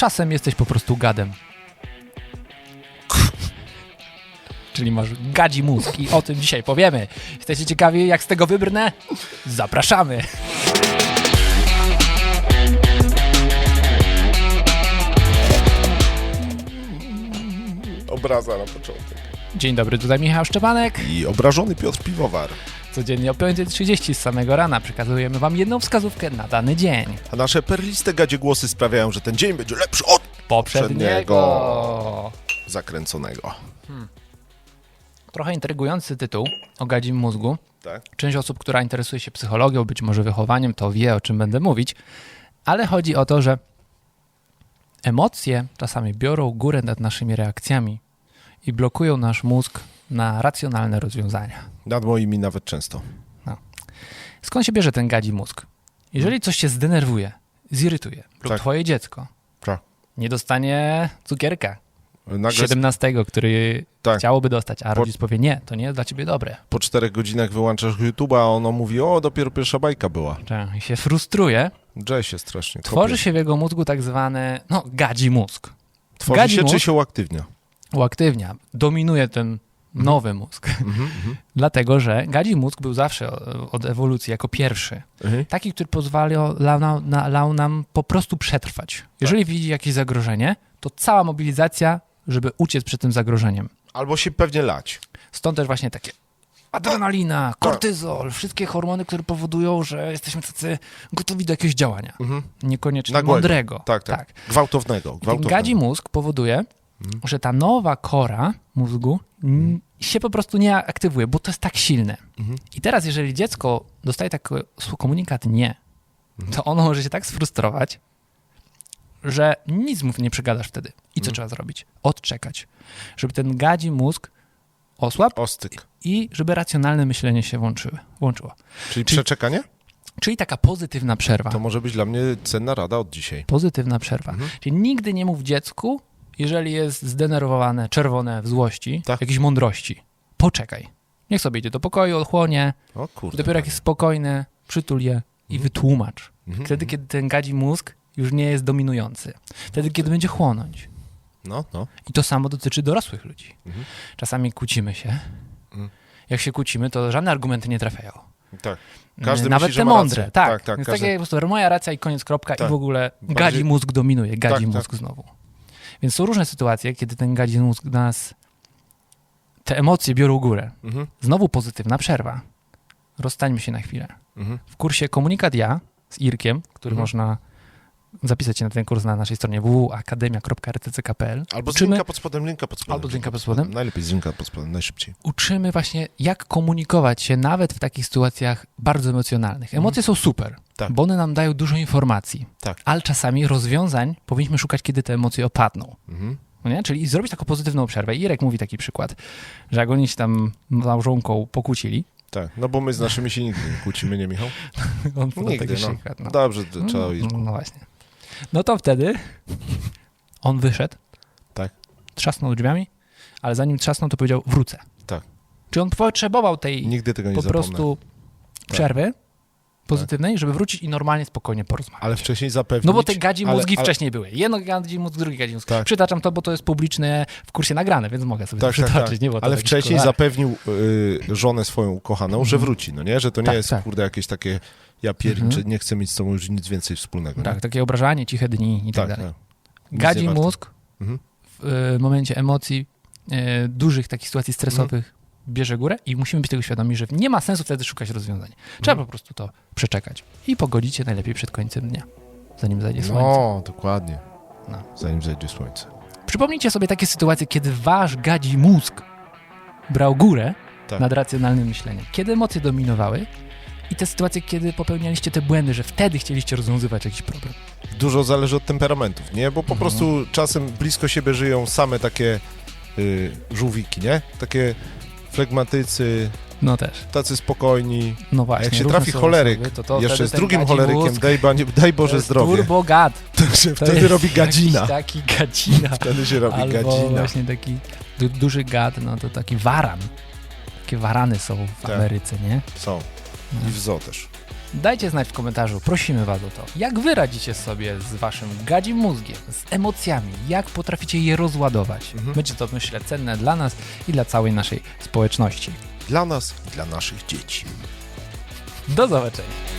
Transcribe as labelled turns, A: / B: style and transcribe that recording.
A: czasem jesteś po prostu gadem. Czyli masz gadzi mózg i o tym dzisiaj powiemy. Jesteście ciekawi, jak z tego wybrnę? Zapraszamy!
B: Obraza na początek.
A: Dzień dobry, tutaj Michał Szczepanek.
B: I obrażony Piotr Piwowar.
A: Codziennie o 5:30 z samego rana przekazujemy wam jedną wskazówkę na dany dzień.
B: A nasze perliste gadzie głosy sprawiają, że ten dzień będzie lepszy od
A: Poprzedniego.
B: zakręconego.
A: Trochę intrygujący tytuł o gadzim mózgu.
B: Tak?
A: Część osób, która interesuje się psychologią, być może wychowaniem, to wie, o czym będę mówić. Ale chodzi o to, że emocje czasami biorą górę nad naszymi reakcjami i blokują nasz mózg na racjonalne rozwiązania.
B: Nad moimi nawet często.
A: Skąd się bierze ten gadzi mózg? Jeżeli coś się zdenerwuje, zirytuje lub
B: Tak.
A: twoje dziecko
B: Tak.
A: nie dostanie cukierka
B: Nagle
A: 17, który
B: Tak.
A: chciałoby dostać, a rodzic powie nie, to nie jest dla ciebie dobre.
B: po 4 godzinach wyłączasz YouTube'a, a ono mówi, o, dopiero pierwsza bajka była.
A: I się frustruje,
B: Drze się strasznie.
A: tworzy się w jego mózgu tak zwany, gadzi mózg.
B: Tworzy
A: gadzi
B: się
A: mózg
B: czy się uaktywnia?
A: Uaktywnia, dominuje ten nowy mózg. Dlatego, że gadzi mózg był zawsze od ewolucji jako pierwszy. Taki, który pozwalał nam po prostu przetrwać. Jeżeli widzi jakieś zagrożenie, to cała mobilizacja, żeby uciec przed tym zagrożeniem.
B: Albo się pewnie lać.
A: Stąd też właśnie takie adrenalina, kortyzol, wszystkie hormony, które powodują, że jesteśmy tacy gotowi do jakiegoś działania. Niekoniecznie
B: Nagłego.
A: mądrego.
B: Tak. Gwałtownego.
A: Ten gadzi mózg powoduje, że ta nowa kora mózgu się po prostu nie aktywuje, bo to jest tak silne. I teraz, jeżeli dziecko dostaje taki komunikat nie, to ono może się tak sfrustrować, że nic mu nie przegadasz wtedy. I co trzeba zrobić? Odczekać. Żeby ten gadzi mózg osłabł
B: Ostyk.
A: i żeby racjonalne myślenie się włączyło.
B: Czyli przeczekanie?
A: Czyli taka pozytywna przerwa.
B: To może być dla mnie cenna rada od dzisiaj.
A: Pozytywna przerwa. Czyli nigdy nie mów dziecku, jeżeli jest zdenerwowane, czerwone w złości,
B: Tak.
A: jakiejś mądrości. Poczekaj. Niech sobie idzie do pokoju, odchłonie.
B: O kurde.
A: Dopiero jak jest spokojny, przytul je i wytłumacz. Wtedy, kiedy ten gadzi mózg już nie jest dominujący. Wtedy, kiedy będzie chłonąć.
B: No.
A: I to samo dotyczy dorosłych ludzi. Czasami kłócimy się. Jak się kłócimy, to żadne argumenty nie trafiają.
B: Tak. Każdy
A: Nawet
B: myśli, że
A: te
B: ma
A: mądre.
B: rację.
A: Tak.
B: Tak,
A: Więc
B: każdy...
A: takie po prostu moja racja i koniec, kropka.
B: Tak.
A: I w ogóle
B: Bardziej-
A: gadzi mózg dominuje. Gadzi
B: Tak,
A: mózg znowu. Więc są różne sytuacje, kiedy ten gadzi mózg nas... Te emocje biorą górę. Znowu pozytywna przerwa. Rozstańmy się na chwilę. W kursie Komunikat Ja z Irkiem, który można zapisać się na ten kurs na naszej stronie www.akademia.rtck.pl.
B: Albo z linka pod spodem,
A: Albo z linka pod spodem.
B: Najlepiej z linka pod spodem, najszybciej.
A: Uczymy właśnie, jak komunikować się nawet w takich sytuacjach bardzo emocjonalnych. Emocje są super,
B: Tak.
A: bo one nam dają dużo informacji,
B: Tak.
A: ale czasami rozwiązań powinniśmy szukać, kiedy te emocje opadną. No nie? Czyli zrobić taką pozytywną przerwę. Irek mówi taki przykład, że jak oni się tam z małżonką pokłócili,
B: Tak, no bo my z naszymi się nigdy nie kłócimy, nie Michał?
A: on podał
B: Nigdy,
A: taki
B: no.
A: przykład. No.
B: Dobrze, to trzeba iść.
A: No właśnie. No to wtedy on wyszedł,
B: Tak.
A: trzasnął drzwiami, ale zanim trzasnął, to powiedział wrócę.
B: Tak.
A: Czy on potrzebował tej
B: Nigdy tego nie
A: po
B: zapomnę.
A: prostu przerwy pozytywnej, żeby wrócić i normalnie, spokojnie porozmawiać.
B: Ale wcześniej zapewnić...
A: No bo te gadzi
B: ale-
A: mózgi
B: ale-
A: wcześniej były. Jedno gadzi mózg, drugi gadzi mózg.
B: Tak.
A: Przytaczam to, bo to jest publiczne w kursie nagrane, więc mogę sobie to
B: Tak, tak,
A: przytoczyć.
B: tak.
A: Nie było to
B: Ale
A: w jakichś
B: wcześniej
A: kuluarach.
B: zapewnił żonę swoją ukochaną, że wróci, no nie? Że to nie
A: Tak,
B: jest,
A: tak.
B: kurde, jakieś takie ja pierniczę, nie chcę mieć z tobą już nic więcej wspólnego.
A: Tak,
B: nie?
A: takie obrażanie, ciche dni i tak dalej.
B: tak.
A: Gadzi
B: nie warto.
A: mózg w momencie emocji, dużych takich sytuacji stresowych bierze górę i musimy być tego świadomi, że nie ma sensu wtedy szukać rozwiązań. Trzeba po prostu to przeczekać i pogodzić się najlepiej przed końcem dnia, zanim zajdzie słońce.
B: No, dokładnie.
A: No.
B: Zanim zajdzie słońce.
A: Przypomnijcie sobie takie sytuacje, kiedy wasz gadzi mózg brał górę
B: Tak.
A: nad racjonalnym myśleniem. Kiedy emocje dominowały i te sytuacje, kiedy popełnialiście te błędy, że wtedy chcieliście rozwiązywać jakiś problem.
B: Dużo zależy od temperamentów, nie? Bo po prostu czasem blisko siebie żyją same takie żółwiki, nie? Takie flegmatycy,
A: No też.
B: tacy spokojni.
A: No
B: A
A: właśnie.
B: jak się
A: różne
B: trafi
A: są
B: choleryk,
A: osoby, to
B: jeszcze
A: wtedy
B: z
A: ten
B: drugim
A: gadzi
B: cholerykiem,
A: mózg
B: daj
A: to
B: Boże
A: jest
B: zdrowie,
A: turbogad.
B: to się
A: To
B: wtedy
A: jest
B: robi gadzina.
A: jakiś taki gadzina.
B: Wtedy się robi
A: Albo
B: gadzina.
A: właśnie taki duży gad, no to taki waran. Takie warany są w
B: Tak.
A: Ameryce, nie?
B: Są. I w zoo też.
A: Dajcie znać w komentarzu, prosimy was o to. Jak wy radzicie sobie z waszym gadzim mózgiem, z emocjami, jak potraficie je rozładować. Będzie to, myślę, cenne dla nas i dla całej naszej społeczności.
B: Dla nas i dla naszych dzieci.
A: Do zobaczenia.